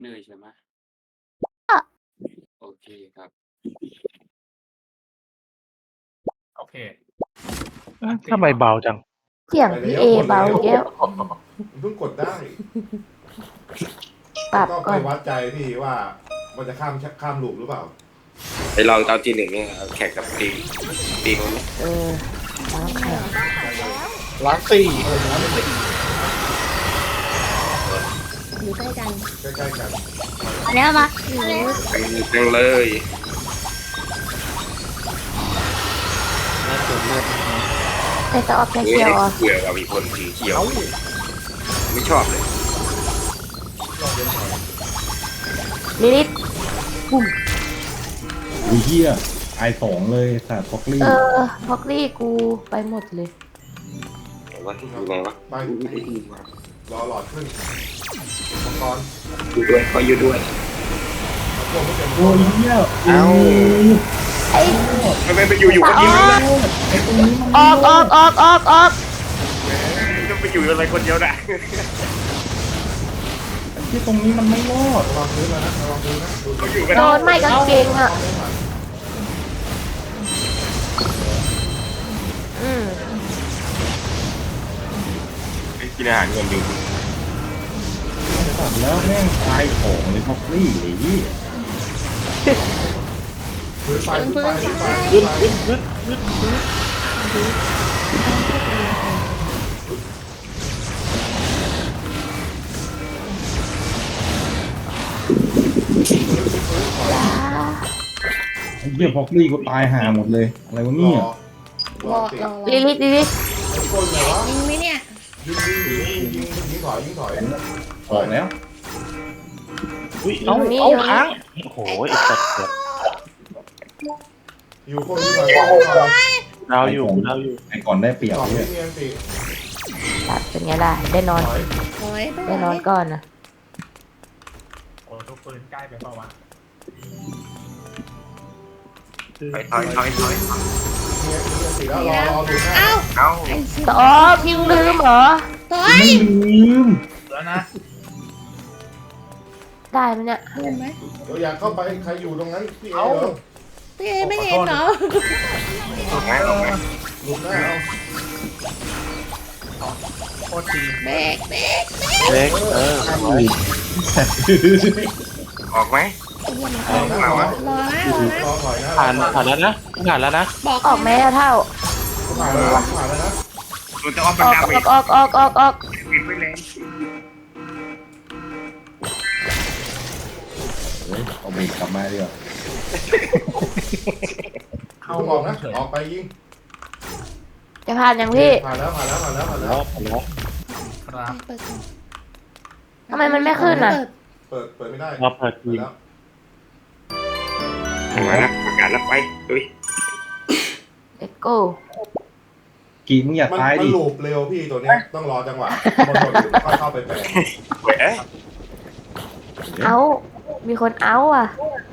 เหนื่อยใช่ไหมโอเคครับโอเคทำไมเบาจังเสียงพี่เอเบาแก้วเพิ่งกดได้ปรับก็ก่ไปอนวัดใจพี่ว่ามันจะข้ามลูปหรือเปล่าไปลองตอนทีหนึ่งเนี่ยแข่งกับตีนู้นเออล้างแข็งล้างสี่อยู่ใกล้กันใกล้ๆกันแล้วมาจังเลยแต่จะออกแค่เฮ้เชียวอ่ะเบื่อว่ามีคนสีเขียว ไม่ชอบเลยลิลิตอุ้ยเฮียไอสองเลยสัตว์ฟอกลี่พอกลี่กูไปหมดเลยว่าอยู่ไหนวะไปรอหลอดขึ้นอุปกรณ์อยู่ด้วยก็อยู่ด้วยพวกไม่เป็นโอ้ยเฮียเอ้าไอ้ทำไมไปอยู่คนเดียวนะไอตรงนี้มันออกจะไปอยู่อะไรคนเดียวนะที่ตรงนี้มันไม่รอดระวังพื้นนะระวังพื้นนะดูเขาอยู่กันโดนไม่กางเกงอ่ะ อืมกินอาหารเงินอยู่สัตว์แล้วแม่งตายของเลยฟอกลี่ไอ้เหี้ยพื้นไฟพื้นไฟพื้นไฟไอ้เหี้ยฟอกลี่ก็ตายห่าหมดเลยอะไรวะเนี่ยรอติดลิลิตก้นเลยวะยิงไหมเนี่ยยิงถอยออกแล้วเอาค้างโอ้โหไอ้สัตว์อยู่คนที่ไหนดาวอยู่ไอก่อนได้เปรียบต่อเนี่ยที่เมียนติตัดเป็นไงล่ะ ได้นอนถอยถอยไปได้นอนก่อนนะโอ้ทุกปืนใกล้ไปเปล่าวะถอยเมียนติแล้วรอดูหน้าเอ้าเอ้าไอ้สิอ๋อพิงลืมเหรอถอยไม่ลืมแล้วนะได้ไหมเนี่ยเห็นไหมเราอยากเข้าไปใครอยู่ตรงนั้นพี่เอเหรอพี่เอไม่เห็นเหรอออกไหมออกไหมลุกหน้าเอาโคตรทีเบรกเล็กไว้ออกไหมเอาหน้ารอรอนะรอถอยนะผ่านแล้วนะผ่านแล้วนะบอกออกแม่เท่าผ่านแล้วนะมันจะออกบัอน อกดาไปออกปิดไปเลยเฮ้ยเอาเบรกกลับมาดีกว่าเข้าออกนะออกไปยิงจะผ่านยังพี่ผ่านแล้วแล้วครับเปิดก่อนทำไมมันไม่ขึ้นอ่ะเปิดเปิดไม่ได้เราเปิดทีมแล้วมาแล้วประกาศแล้วไปดุย Let's go กีมึงอย่ามันตายมันดิลูปเร็วพี่ตัวเนี้ยต้องรอจังหวะบนหมดค่อยเข้าไปแปลงเว้ยเอามีคนเอาอ่ะ